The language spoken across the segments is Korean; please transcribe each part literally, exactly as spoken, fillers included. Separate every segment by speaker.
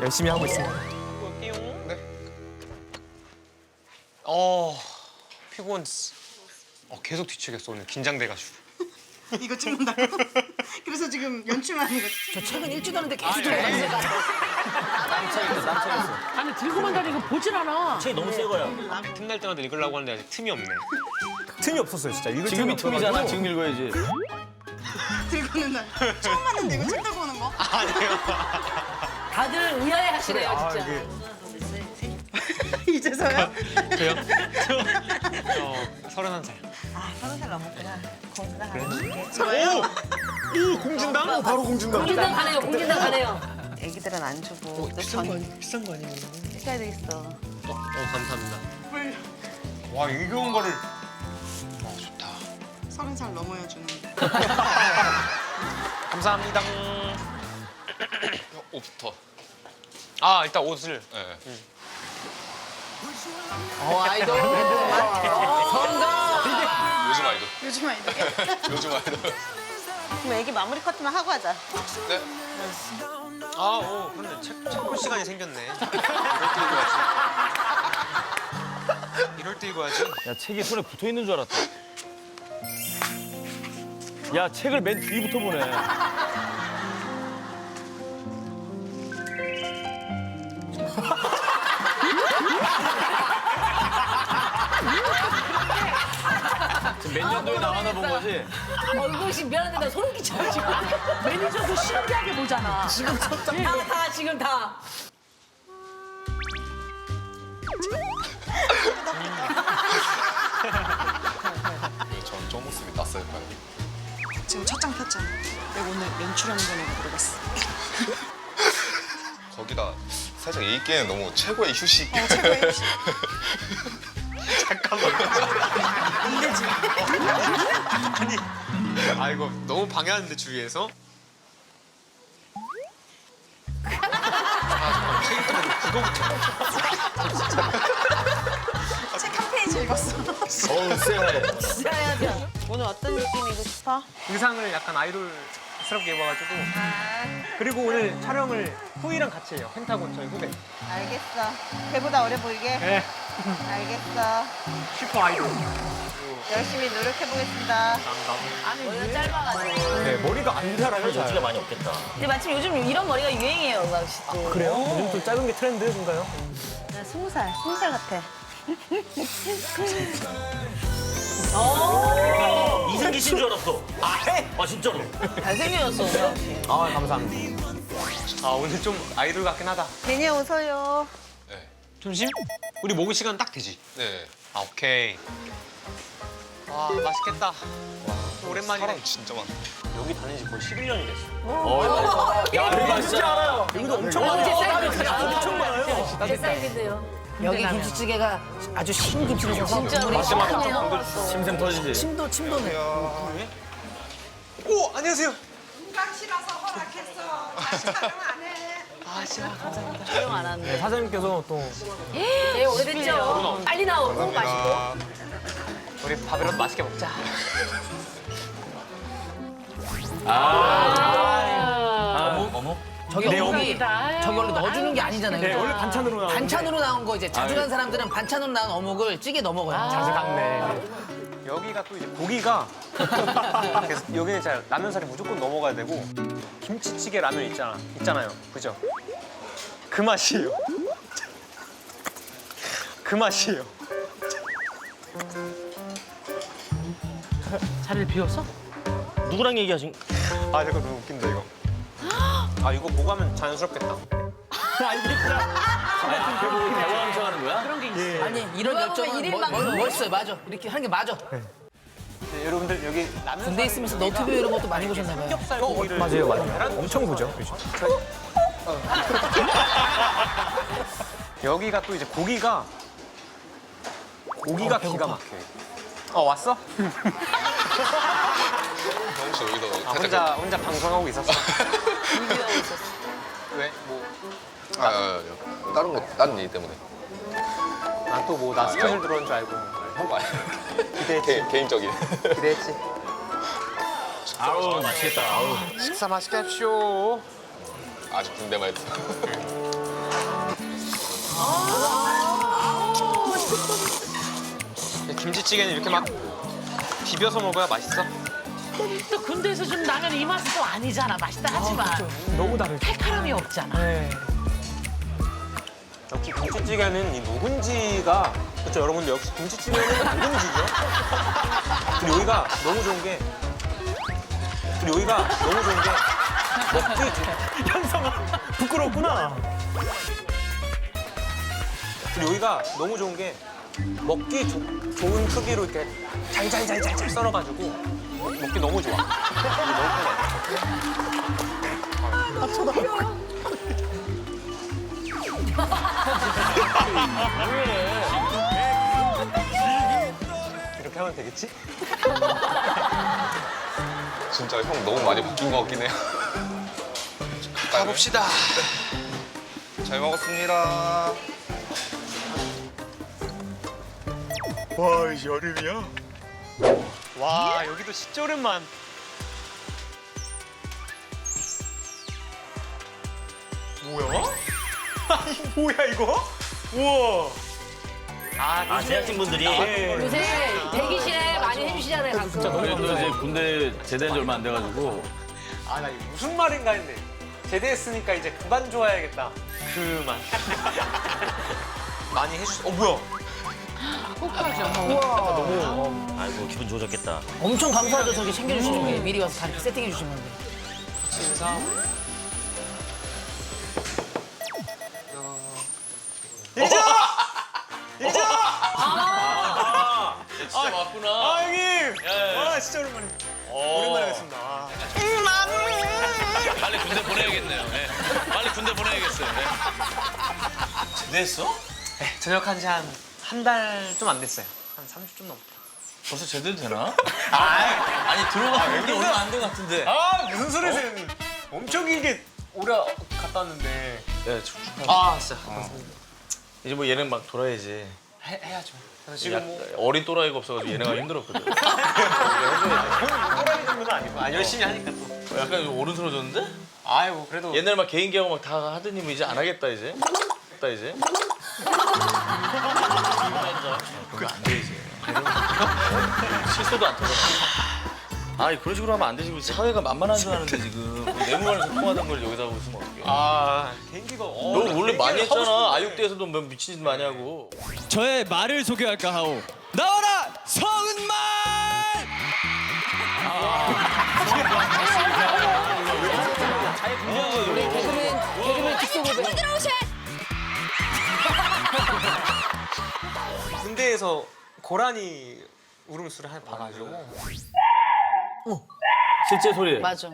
Speaker 1: 열심히 하고 있습니다.
Speaker 2: 볼게요. 네. 어 피곤. 어 계속 뒤치겠어 오늘 긴장돼가지고.
Speaker 3: 이거 찍는다고? 그래서 지금 연출하는 거지?
Speaker 4: 저 최근 일주일 하는데 계속 들어가는 거
Speaker 5: 아니 들고만 다니고 보질 않아.
Speaker 6: 책이 너무 새 거야.
Speaker 2: 틈날 때마다 읽으려고 하는데 아직 틈이 없네.
Speaker 1: 틈이 없었어요, 진짜. 읽을
Speaker 6: 지금이
Speaker 1: 틈이
Speaker 6: 틈이잖아.
Speaker 1: 없어가지고.
Speaker 6: 지금 읽어야지.
Speaker 3: 들고는 날 처음 봤는데 이거 책 들고 오는 거?
Speaker 2: 아니요.
Speaker 5: 다들 의아해하시네요
Speaker 1: 아,
Speaker 5: 진짜.
Speaker 1: 이게
Speaker 3: 이제서야?
Speaker 2: 저요? 저 서른한 살.
Speaker 3: 아, 서른 살 넘었구나. 공주당 하나 줄게.
Speaker 2: 오! 오 공진당?
Speaker 1: 어, 바로 공준다.
Speaker 5: 공진당 가네요. 공진당 가네요.
Speaker 3: 애기들은 안 주고 또
Speaker 2: 비싼 거
Speaker 3: 전
Speaker 2: 아니 비싼 거 아니에요?
Speaker 3: 해야 되겠어.
Speaker 2: 어, 어 감사합니다. 와 이겨온 거를. 어 좋다.
Speaker 3: 서른 살 넘어야 주는.
Speaker 2: 감사합니다.
Speaker 7: 옷부터.
Speaker 2: 아 일단 옷을.
Speaker 7: 네.
Speaker 4: 어 아이돌 성공
Speaker 7: 요즘 아이돌.
Speaker 3: 요즘 아이들.
Speaker 7: 요즘 아이돌.
Speaker 3: 그럼 애기 마무리 커트만 하고 하자.
Speaker 7: 네.
Speaker 2: 아, 오, 그런데 책, 책 볼 시간이 생겼네. 이럴 때 읽어야지. 이럴 때 읽어야지.
Speaker 6: 야, 책이 손에 붙어 있는 줄 알았다. 야, 책을 맨 뒤부터 보네. 지금 몇 년도에 나와나 본 거지?
Speaker 5: 어 이거 씨 미안한데 나 소름 끼쳐요 지금. 매니저도 신기하게 보잖아. 지금 다, 다 지금 다.
Speaker 7: 전 저 모습이 낯설까요?
Speaker 3: 지금 첫 장 폈잖아. 내가 오늘 연출하는 거 내가 물어봤어.
Speaker 7: 거기다 살짝 이 게임 너무 최고의 휴식.
Speaker 3: 어, 최고의 휴식.
Speaker 2: 잠깐만. 안 되지. 아니, 아 이거 너무 방해하는데 주위에서. 아 잠깐 책 읽다 보니 그거부터.
Speaker 3: 책 한 페이지 읽었어.
Speaker 6: 어우, 쎄해.
Speaker 5: 진짜야죠.
Speaker 3: 오늘 어떤 느낌이고 싶어?
Speaker 2: 의상을 약간 아이돌스럽게 입어가지고. 그리고 오늘 촬영을 후이랑 같이 해요. 펜타곤 저희 후배.
Speaker 3: 알겠어. 걔보다 어려 보이게?
Speaker 2: 네.
Speaker 3: 알겠어.
Speaker 2: 슈퍼 아이돌.
Speaker 3: 열심히 노력해보겠습니다.
Speaker 2: 감사합니다.
Speaker 5: 머리가 짧아가지고.
Speaker 1: 네, 머리가 안 자라요,
Speaker 6: 여지가
Speaker 1: 잘.
Speaker 6: 많이 없겠다.
Speaker 8: 근데 마침 요즘 이런 머리가 유행이에요, 음악 씨. 또.
Speaker 1: 그래요? 요즘 또 짧은 게 트렌드인가요?
Speaker 3: 나 스무 살, 스무 살 같아.
Speaker 6: 이승기 씨인 줄 알았어. 아, 해? 아, 진짜로.
Speaker 8: 잘생겨졌어, 음악 씨.
Speaker 1: 아, 감사합니다.
Speaker 2: 아 오늘 좀 아이돌 같긴 하다.
Speaker 3: 괜히 웃어요.
Speaker 7: 네.
Speaker 2: 점심? 우리 먹을 시간 딱 되지?
Speaker 7: 네.
Speaker 2: 아 오케이. 와 맛있겠다. 오랜만이네.
Speaker 7: 사람 진짜 많다.
Speaker 2: 여기 다닌 지 거의 십일 년이 됐어.
Speaker 6: 어, 야, 여기 맛있지 않아요?
Speaker 1: 여기도 엄청
Speaker 5: 어, 제
Speaker 1: 많아요.
Speaker 5: 사이즈인데요.
Speaker 1: 엄청 많아요.
Speaker 5: 제 사이즈인데요.
Speaker 4: 여기 김치찌개가 아주 신김치라서
Speaker 5: 진짜 우리 시원하네요.
Speaker 6: 심생 터지지.
Speaker 4: 침도 침도네.
Speaker 2: 오 안녕하세요.
Speaker 3: 깡씨라서 허락했어. 다시 촬영 안 해.
Speaker 2: 아 진짜 감사합니다.
Speaker 8: 촬영 안 하는데.
Speaker 1: 네, 사장님께서 또
Speaker 5: 네 오래됐죠. 빨리 나오고 맛있고.
Speaker 2: 우리 밥이라도 맛있게 먹자.
Speaker 6: 어묵? 어묵?
Speaker 4: 저기
Speaker 1: 네,
Speaker 4: 어묵이 저기 원래 넣어주는 게 아니잖아요.
Speaker 1: 네, 원래 반찬으로 나오는
Speaker 4: 반찬으로 나온 거 이제 자주 간 사람들은 반찬으로 나온 어묵을 찌개 넣어 먹어요.
Speaker 1: 자주 갔네.
Speaker 2: 여기가 또 이제 고기가 그래서 여기는 진짜 라면살이 무조건 넘어가야 되고 김치찌개 라면 있잖아 있잖아요 그죠? 그 맛이에요. 그 맛이에요.
Speaker 5: 자리를 비웠어?
Speaker 6: 누구랑 얘기하신?
Speaker 2: 아 이거 너무 웃긴다 이거. 아 이거 보고 하면 자연스럽겠다.
Speaker 6: 아, 결국 대화 함청하는 거야?
Speaker 5: 그런 게 있어.
Speaker 4: 아니 이런 열정은 멋- 멋- 멋있어요. 맞아. 이렇게 하는 게 맞아.
Speaker 2: 네, 여러분들 여기 라면
Speaker 4: 군대 있으면서 너튜브 이런 것도 많이 보셨나 봐요.
Speaker 2: 삼겹살 고기를
Speaker 1: 맞아요, 맞아요. 엄청 보죠, 요즘.
Speaker 2: 여기가 또 이제 고기가 고기가 기가 막혀요. 어 왔어?
Speaker 7: 형씨 여기다
Speaker 2: 아, 혼자 혼자 방송하고 있었어.
Speaker 8: 준비하고 있었어.
Speaker 2: 왜? 뭐?
Speaker 7: 아, 아, 아, 다른 거 다른 일 때문에.
Speaker 2: 난 또 뭐 나 스케줄 들어온 줄 알고
Speaker 7: 형 말.
Speaker 2: 기대했지.
Speaker 7: 개, 개인적인.
Speaker 2: 기대했지.
Speaker 6: 아우, 맛있겠다. 아우.
Speaker 2: 식사 맛있게 합시오.
Speaker 7: 아직 군대만 했어.
Speaker 2: 김치찌개는 이렇게 막 비벼서 먹어야 맛있어.
Speaker 5: 또 군대에서 준 라면 이 맛은 또 아니잖아. 맛있다 하지만
Speaker 1: 너무 다르죠.
Speaker 5: 칼칼함이 없잖아.
Speaker 1: 네.
Speaker 2: 역시 김치찌개는 이 묵은지가 그렇죠 여러분들 역시 김치찌개는 묵은지죠. 근데 여기가 너무 좋은 게 근데 여기가 너무 좋은 게 먹기 좋-
Speaker 1: 현성아 부끄럽구나.
Speaker 2: 근데 여기가 너무 좋은 게 먹기 조- 좋은 크기로 이렇게 잘잘잘잘잘 썰어가지고 먹기 너무 좋아. 이게 너무 편해. 이렇게 하면 되겠지?
Speaker 7: 진짜 형 너무 많이 바뀐 것 같긴 해요.
Speaker 2: 가봅시다.
Speaker 7: 잘 먹었습니다.
Speaker 2: 와, 이제 여름이야? 와, 여기도 진짜 오랜만. 뭐야? 아니, 뭐야, 이거? 우와. 아,
Speaker 6: 아 제작진분들이
Speaker 5: 요새 대기실에 많이 해주시잖아요, 가끔.
Speaker 6: 저희도 이제 군대 제대한 지 얼마 안 돼가지고
Speaker 2: 아, 나 이거 무슨 말인가 했네. 제대했으니까 이제 그만 좋아야겠다. 그만. 많이 해주셨어. 어, 뭐야?
Speaker 6: 아이고 기분 좋아졌겠다.
Speaker 4: 엄청 감사하죠. 저기 챙겨주시는 게 미리 와서 다 이렇게 세팅해 주신 건데.
Speaker 2: 진사. 일자! 일자!
Speaker 6: 진짜 맞구나.
Speaker 2: 아, 형님!
Speaker 6: 예.
Speaker 2: 아, 진짜 오랜만에. 오랜만에 뵙습니다. 아.
Speaker 6: 빨리 군대 보내야겠네요. 네. 빨리 군대 보내야겠어요. 네. 제대했어?
Speaker 2: 네, 전역한 지 한 한 달 좀 안 됐어요. 한 삼십 좀 넘었다.
Speaker 6: 벌써 제대도 되나? 아니 들어가는 게 얼마 안 된 것 같은데.
Speaker 2: 아, 무슨 소리세요? 엄청 길게 오래 갔다 왔는데.
Speaker 6: 네, 축-
Speaker 2: 아, 진짜.
Speaker 6: 이제 뭐 예능 막 돌아야지.
Speaker 2: 해, 해야죠. 그래서 지금 뭐
Speaker 6: 어린 또라이가 없어가지고 예능하기 힘들었거든.
Speaker 2: 또라이 정도는 아니고. 아, 열심히 하니까 또.
Speaker 6: 약간 오른스러워졌는데?
Speaker 2: 아이고, 그래도.
Speaker 6: 옛날 막 개인기하고 막 다 하더니 뭐 이제 안 하겠다 이제. 했다 이제. 그게 안 돼 이제. 실수도 안 터져. 아 그런 식으로 하면 안 되지. 우리 사회가 만만한 줄 아는데 지금 내무관에서 통하던 걸 여기다 하고 있으면 어떡해.
Speaker 2: 아, 개인기가. 어,
Speaker 6: 너 원래 많이
Speaker 2: 개인기를 하고
Speaker 6: 했잖아.
Speaker 2: 싶은데.
Speaker 6: 아육대에서도 뭐 미친 짓 많이 하고.
Speaker 9: 저의 말을 소개할까 하오. 나와라 성은말!
Speaker 4: 우리 개그맨 개그맨 직소고백.
Speaker 2: 군대에서 고라니 울음소리 하나 봐가지고.
Speaker 6: 실제 소리.
Speaker 8: 맞아.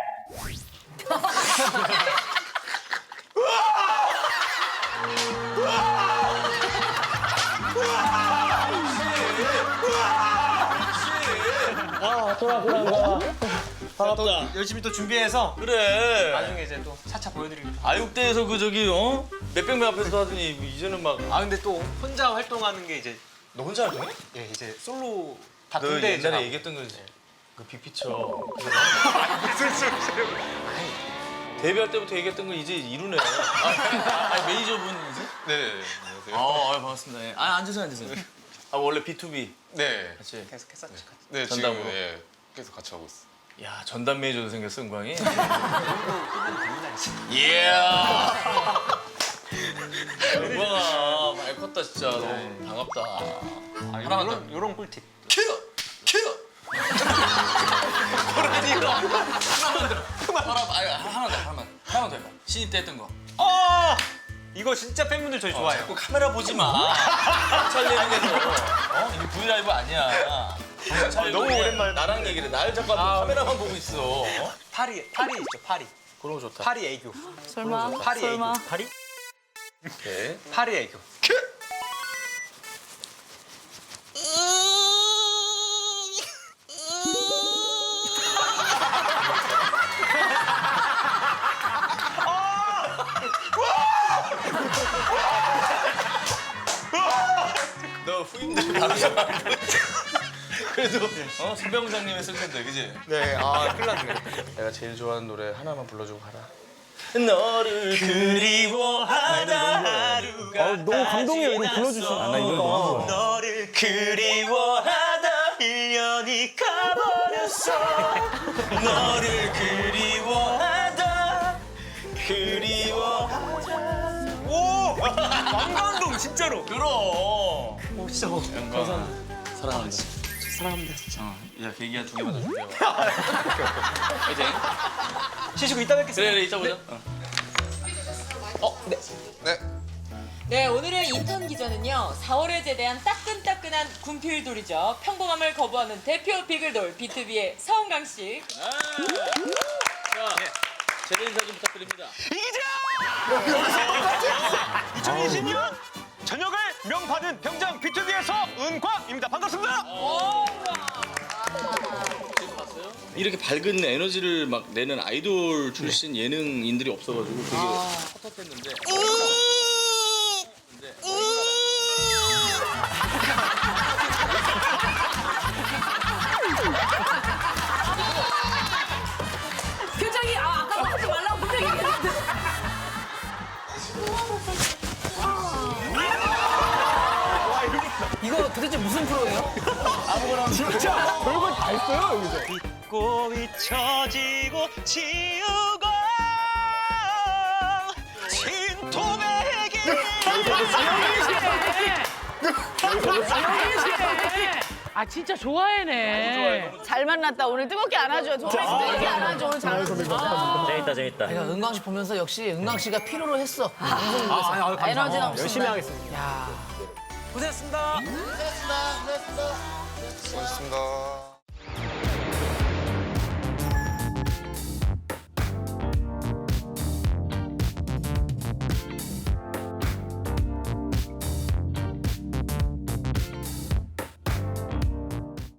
Speaker 2: 또 열심히 또 준비해서
Speaker 6: 그래.
Speaker 2: 나중에 이제 또 차차 보여드리고.
Speaker 6: 아육대에서 그 저기 어 몇백 명 앞에서 하더니 이제는 막.
Speaker 2: 아, 근데 또 혼자 활동하는 게 이제
Speaker 6: 너 혼자 활동해?
Speaker 2: 예 이제 솔로 다
Speaker 6: 너
Speaker 2: 군대
Speaker 6: 옛날에 얘기했던 거지. 그 빅피처.
Speaker 2: 무슨 소리세요?
Speaker 6: 데뷔할 때부터 얘기했던 걸 이제 이루네. 아, 아니, 매니저분이세요?
Speaker 7: 네네네. 안녕하세요.
Speaker 6: 아, 아, 반갑습니다. 예. 아, 앉으세요, 앉으세요. 아, 원래 비투비
Speaker 7: 네.
Speaker 6: 같이.
Speaker 2: 계속 했었지. 같이.
Speaker 7: 네,
Speaker 6: 전담으로.
Speaker 7: 지금 예, 계속 같이 하고 있어.
Speaker 6: 야, 전담 매니저도 생겼어, 은광이. 이야. 은광아, 많이 컸다, 진짜. 너무 반갑다.
Speaker 2: 아,
Speaker 6: 하나만
Speaker 2: 요런 요런 꿀팁.
Speaker 6: 큐! 큐! 그러니까. 하나만 더. 하나, 아니, 하나 더, 하나만. 하나만 더 해봐. 신입 때 했던 거.
Speaker 2: 어! 이거 진짜 팬분들 저희 좋아해요.
Speaker 6: 자꾸 카메라 보지 마. 경찰 예능에서. 어? 이게 브이라이브 아니야. 경찰
Speaker 2: 너무
Speaker 6: 예능에
Speaker 2: 오랜만에
Speaker 6: 나랑 얘기를 해. 날 자꾸 아, 카메라만 보고 있어. 어?
Speaker 2: 파리 파리 있죠 파리.
Speaker 6: 그런 거 좋다.
Speaker 2: 파리 애교.
Speaker 8: 설마?
Speaker 2: 파리
Speaker 8: 설마?
Speaker 2: 애교. 파리?
Speaker 6: 오케이.
Speaker 2: 파리 애교.
Speaker 6: 너 후임들 바로 잡아. 그래도 어? 손병장님 했을 텐데, 그지?
Speaker 2: 네, 아 큰일 났네.
Speaker 6: 내가 제일 좋아하는 노래 하나만 불러주고 가라. 너를 그리워하다 하루가
Speaker 1: 아, 너무 감동이에요. 이거 불러주시면. 아, 나 이거 너무 좋아.
Speaker 6: 너를 그리워하다 일 년이 가버렸어. 너를 그리워하다 그리워하다.
Speaker 2: 오! 왕감동 진짜로.
Speaker 6: 그럼.
Speaker 1: 오, 진짜. 뭐.
Speaker 6: 영광. 사랑합니다.
Speaker 1: 사랑합니다, 진짜.
Speaker 6: 어, 야 계기야 두 개만 더 줄게요. 이제
Speaker 2: 쉬시고 이따 뵙겠습니다.
Speaker 6: 그래 그래 이따 보자. 어.
Speaker 7: 네.
Speaker 10: 네, 오늘의 인턴 기자는요. 사월에 제대한 따끈따끈한 군필돌이죠. 평범함을 거부하는 대표 비글돌 비투비의 서은강 씨.
Speaker 6: 아. 자, 제대 인사 좀 부탁드립니다.
Speaker 2: 이천이십 년 저녁을 명받은 병장 비투비에서 은광입니다. 반갑습니다.
Speaker 6: 이렇게 밝은 에너지를 막 내는 아이돌 출신 예능인들이 없어가지고 되게 섭섭했는데.
Speaker 5: 표정이 아 아까 뭐 하지 말라고 분명히 얘기했는데.
Speaker 4: 이거 도대체 무슨 프로예요?
Speaker 1: 진짜 별걸 다 했어요, 여기서.
Speaker 2: 꽃이 처지고 지우고 진토배기.
Speaker 5: 아 진짜 좋아해네.
Speaker 8: 잘 만났다. 오늘 뜨겁게 안아줘. 정말 뜨겁게 안아줘. 오늘 잘
Speaker 1: 재밌다, 재밌다.
Speaker 4: 내가 은광 씨 보면서 역시 은광 씨가 필요로 했어.
Speaker 1: 아, 아니, 아니, 감사합니다.
Speaker 8: 에너지 넘친다.
Speaker 1: 열심히 하겠습니다.
Speaker 2: 고생했습니다.
Speaker 7: 고맙습니다.